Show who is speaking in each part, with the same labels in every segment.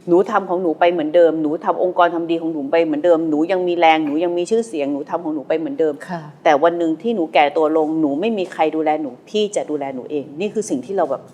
Speaker 1: หนูทำของหนูไปเหมือนเดิมหนูทำองค์กรทำดีของหนูไปเหมือนเดิมหนูยังมีแรงหนูยังมีชื่อเสียงหนูทำของหนูไปเหมือนเดิมแต่วันหนึ่งที่หนูแก่ตัวลงหนูไม่มีใครดูแลหนูพี่จะดูแลหนูเองนี่คือสิ่งที่เราแบบ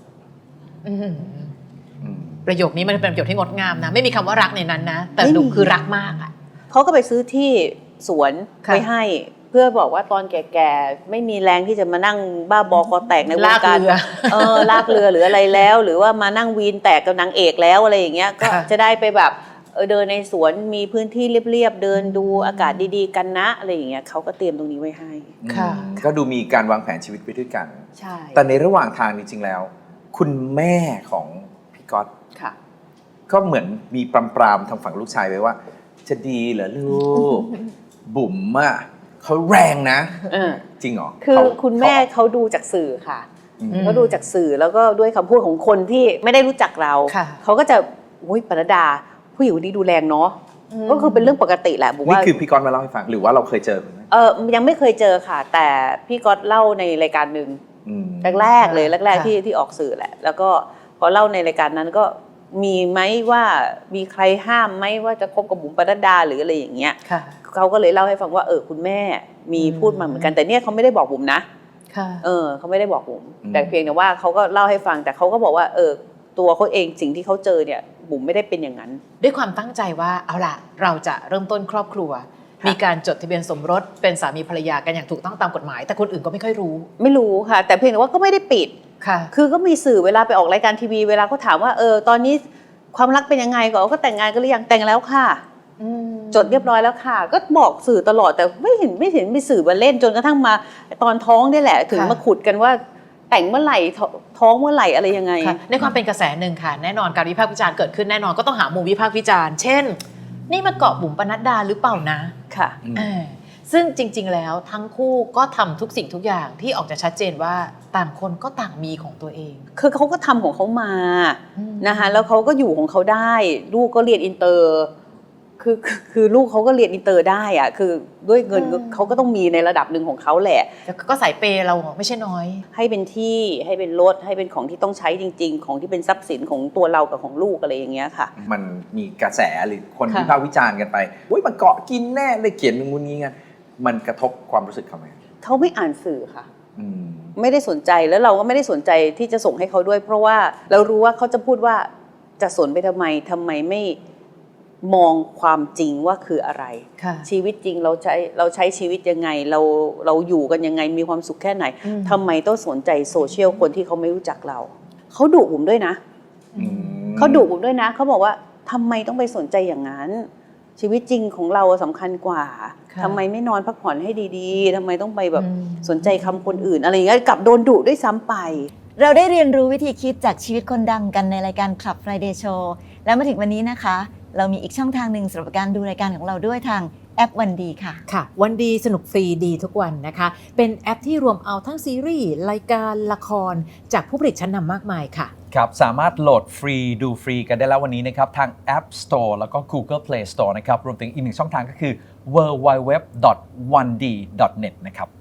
Speaker 2: ประโยคนี้มันเป็นประโยคที่งดงามนะไม่มีคำว่ารักในนั้นนะแต่ดูคือรักมากอ่ะ
Speaker 1: เขาก็ไปซื้อที่สวนไว้ให้เพื่อบอกว่าตอนแก่ๆไม่มีแรงที่จะมานั่งบ้าบอคอแตกในวงการลากเรือหรืออะไรแล้วหรือว่ามานั่งวีนแตกกับนางเอกแล้วอะไรอย่างเงี้ยก็จะได้ไปแบบเดินในสวนมีพื้นที่เรียบๆเดินดูอากาศดีๆกันนะอะไรอย่างเงี้ยเขาก็เตรียมตรงนี้ไว้ให้
Speaker 3: ก็ดูมีการวางแผนชีวิตไปด้วยกัน
Speaker 1: ใช่
Speaker 3: แต่ในระหว่างทางจริงๆแล้วคุณแม่ของพี่ก๊อตก็เหมือนมีปรามทางฝั่งลูกชายไว้ว่าจะดีเหรอลูกบุ๋มอ่ะเขาแรงนะจริงเหรอ
Speaker 1: คือคุณแม่เขาดูจากสื่อค่ะเขาดูจากสื่อแล้วก็ด้วยคำพูดของคนที่ไม่ได้รู้จักเราเขาก็จะโอ้ยปรดาผู้หญิงคนนี้ดูแรงเนาะก็คือเป็นเรื่องปกติแหละบอกว่า
Speaker 3: นี่คือพี่ก๊อตมาเล่าให้ฟังหรือว่าเราเคยเจอ
Speaker 1: ยังไม่เคยเจอค่ะแต่พี่ก๊อตเล่าในรายการนึงแรกๆเลยแรกๆที่ออกสื่อแหละแล้วก็พอเล่าในรายการนั้นก็มีไหมว่ามีใครห้ามไหมว่าจะคบกับบุ๋มปนัดดาหรืออะไรอย่างเงี้ยเขาก็เลยเล่าให้ฟังว่าคุณแม่มีพูดมาเหมือนกันแต่เนี่ยเขาไม่ได้บอกบุ๋มนะเขาไม่ได้บอกบุ๋มแต่เพียงแต่ว่าเขาก็เล่าให้ฟังแต่เขาก็บอกว่าตัวเขาเองสิ่งที่เขาเจอเนี่ยบุ๋มไม่ได้เป็นอย่างนั้น
Speaker 2: ด้วยความตั้งใจว่าเอาล่ะเราจะเริ่มต้นครอบครัวมีการจดทะเบียนสมรสเป็นสามีภรรยากันอย่างถูกต้องตามกฎหมายแต่คนอื่นก็ไม่ค่อยรู้
Speaker 1: ค่ะแต่เพียงแต่ว่าก็ไม่ได้ปิดคือก็มีสื่อเวลาไปออกรายการทีวีเวลาเขาถามว่าตอนนี้ความรักเป็นยังไงก็แต่งงานกันหรือยังแต่งแล้วค่ะจดเรียบร้อยแล้วค่ะก็บอกสื่อตลอดแต่ไม่เห็นมีสื่อมาเล่นจนกระทั่งมาตอนท้องนี่แหละถึงมาขุดกันว่าแต่งเมื่อไหร่ท้องเมื่อไหร่อะไรยังไง
Speaker 2: ในความเป็นกระแสหนึ่งค่ะแน่นอนการวิพากษ์วิจารณ์เกิดขึ้นแน่นอนก็ต้องหามุมวิพากษ์วิจารณ์เช่นนี่มาเกาะบุ๋มปนัดดาหรือเปล่านะ
Speaker 1: ค่ะ
Speaker 2: ซึ่งจริงๆแล้วทั้งคู่ก็ทำทุกสิ่งทุกอย่างที่ออกจะชัดเจนว่าต่างคนก็ต่างมีของตัวเอง
Speaker 1: คือเขาก็ทำของเขามานะคะแล้วเขาก็อยู่ของเขาได้ลูกก็เรียนอินเตอร์คือลูกเขาก็เรียนอินเตอร์ได้อะคือด้วยเงินเขาก็ต้องมีในระดับหนึ่งของเขาแหละ
Speaker 2: ก็สายเปย์เราไม่ใช่น้อย
Speaker 1: ให้เป็นที่ให้เป็นรถให้เป็นของที่ต้องใช้จริงๆของที่เป็นทรัพย์สินของตัวเรากับของลูกอะไรอย่างเงี้ยค่ะ
Speaker 3: มันมีกระแสหรือคนวิพากษ์วิจารณ์กันไปโอ้ยมันเกาะกินแน่เลยเขียนมึงงูนี้ไงมันกระทบความรู้สึกเขาไหม
Speaker 1: เขาไม่อ่านสื่อค่ะไม่ได้สนใจแล้วเราก็ไม่ได้สนใจที่จะส่งให้เขาด้วยเพราะว่าเรารู้ว่าเขาจะพูดว่าจะสนไปทำไมไม่มองความจริงว่าคืออะไรชีวิตจริงเราใช้ชีวิตยังไงเราอยู่กันยังไงมีความสุขแค่ไหนทำไมต้องสนใจโซเชียลคนที่เขาไม่รู้จักเราเขาดุผมด้วยนะเขาดุผมด้วยนะเขาบอกว่าทำไมต้องไปสนใจอย่างนั้นชีวิตจริงของเราสำคัญกว่าทำไมไม่นอนพักผ่อนให้ดีๆทำไมต้องไปแบบสนใจคำคนอื่นอะไรอย่างเงี้ยกลับโดนดุด้วยซ้ำไป
Speaker 4: เราได้เรียนรู้วิธีคิดจากชีวิตคนดังกันในรายการ Club Friday Show และมาถึงวันนี้นะคะเรามีอีกช่องทางหนึ่งสำหรับการดูรายการของเราด้วยทางแอปวันดีค่ะ
Speaker 2: ค่ะวันดีสนุกฟรีดีทุกวันนะคะเป็นแอปที่รวมเอาทั้งซีรีส์รายการละครจากผู้ผลิตชั้นนำมากมายค่ะ
Speaker 5: ครับสามารถโหลดฟรีดูฟรีกันได้แล้ววันนี้นะครับทาง App Store แล้วก็ Google Play Store นะครับรวมถึงอีกหนึ่งช่องทางก็คือ www.1d.net นะครับ